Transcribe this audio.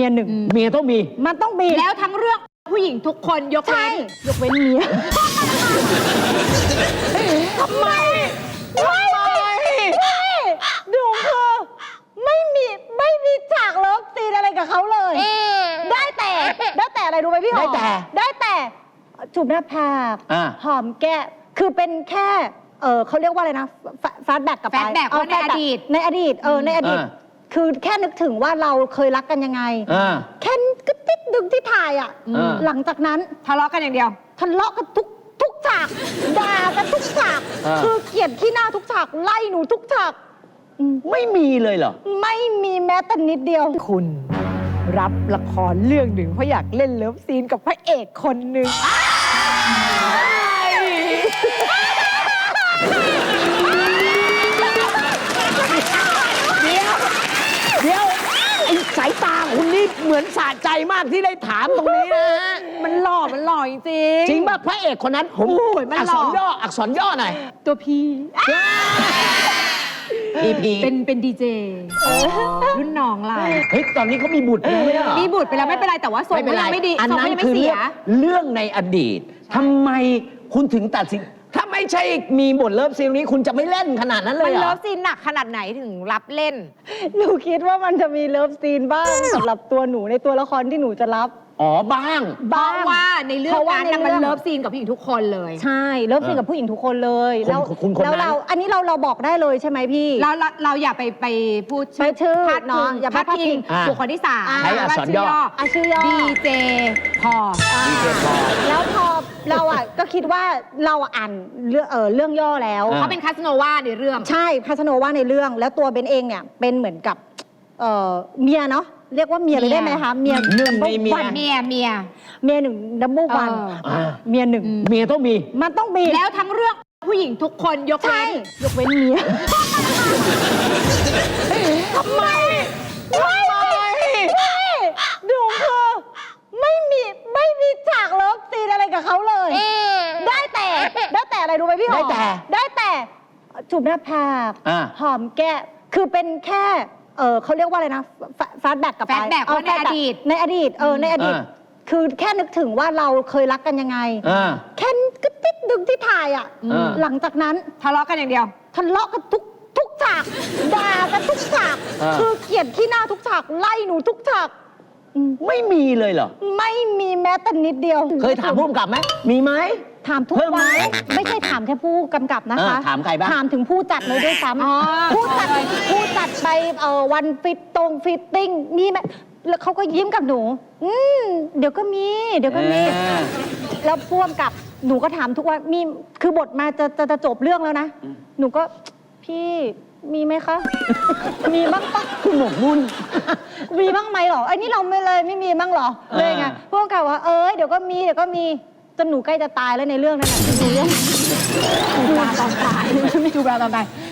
ยหนึ่งเมียต้องมีมันต้องมีแล้วทั้งเรื่องผู้หญิงทุกคนยกเว้นยกเว้นเมียทำไมดูคือไม่มีฉากเลิฟซีนอะไรกับเขาเลยได้แต่อะไรรู้ไหมพี่หอมได้แต่จูบหน้าผากหอมแก้คือเป็นแค่เขาเรียกว่าอะไรนะฟาสแบ็กกับแฟลชแบ็กในอดีตในอดีตคือแค่นึกถึงว่าเราเคยรักกันยังไงแค่กระติดดึงที่ถ่ายอ่ะหลังจากนั้นทะเลาะกันอย่างเดียวทะเลาะกันทุกฉากด่ากันทุกฉากคือเกลียดขี้หน้าทุกฉากไล่หนูทุกฉากไม่มีเลยเหรอไม่มีแม้แต่นิดเดียวคุณรับละครเรื่องหนึ่งเพราะอยากเล่นเลิฟซีนกับพระเอกคนหนึ่งเดี๋ยวไอ้สายตาคุณนี่เหมือนสะใจมากที่ได้ถามตรงนี้นะฮะมันหล่อจริงจริงป่ะพระเอกคนนั้นผมอักษรย่อหน่อยตัวพีเป็นดีเจรุ่นน้องเราเฮ้ยตอนนี้เขามีบุตรแล้วเนี่ยมีบุตรไปแล้วไม่เป็นไรแต่ว่าทรงยังไม่ดีอันนั้นคือเรื่องในอดีตทำไมคุณถึงตัดสินถ้าไม่ใช่มีบทเลิฟซีนนี้คุณจะไม่เล่นขนาดนั้นเลยมันเลิฟซีนหนักขนาดไหนถึงรับเล่นหนูคิดว่ามันจะมีเลิฟซีนบ้างสำหรับตัวหนูในตัวละครที่หนูจะรับบ้างเพราะว่าในเรื่องนั้นมันเลิฟซีนกับผู้หญิงทุกคนเลยใช่เลิฟซีนกับผู้หญิงทุกคนเลยแล้วเราอันนี้เราบอกได้เลยใช่ไหมพี่เราอย่าไปพูดชื่อเนาะอย่าพาดพิงบุคคลที่3 ใช้อักษรย่อชื่อย่อดีเจพอแล้วพอเราก็คิดว่าเราอ่านเรื่องย่อแล้วเขาเป็นคาสโนวาในเรื่องใช่คาสโนวาในเรื่องแล้วตัวเบนเองเนี่ยเป็นเหมือนกับเมียเนาะเรียกว่าเมียเลยได้ไหมคะเมียหนึ่งในเมียหนึ่งดับเบิลวันเมียหนึ่งเมียต้องมีมันต้องมีแล้วทั้งเรื่องผู้หญิงทุกคนยกเว้นเมียทำไมดูคือไม่มีฉากเลิฟซีนอะไรกับเขาเลยได้แต่อะไรรู้ไหมพี่หอมได้แต่จูบหน้าผากหอมแก้คือเป็นแค่เขาเรียกว่าอะไรนะฟาสแบ็กกับแฟลชแบ็กในอดีตคือแค่นึกถึงว่าเราเคยรักกันยังไงแค่กระติดดึงที่ถ่ายอ่ะหลังจากนั้นทะเลาะกันอย่างเดียวทะเลาะกันทุกฉากด่ากันทุกฉากคือเกลียดขี้หน้าทุกฉากไล่หนูทุกฉากไม่มีเลยเหรอไม่มีแม้แต่นิดเดียวเคยถามผู้กำกับไหมมีไหมถามทุกวันไม่ใช่ถามแค่ผู้กำกับนะคะถามใครบ้างถามถึงผู้จัดเลยด้วยซ้ำผู้จัดไปวันฟิตติ้งนี่ไหมแล้วเขาก็ยิ้มกับหนูเดี๋ยวก็มีแล้วพ่วงกับหนูก็ถามทุกวันมีคือบทมาจะจบเรื่องแล้วนะหนูก็พี่มีไหมคะมีบ้างปะคุณหมกมุ่นมีบ้างไหมหรอไอ้นี่เราไม่มีบ้างหรอเลยไงพ่วงกับว่าเดี๋ยวก็มีจนหนูใกล้จะตายแล้วในเรื่องนั้นน่ะดูเรื่องจูบตอนตาย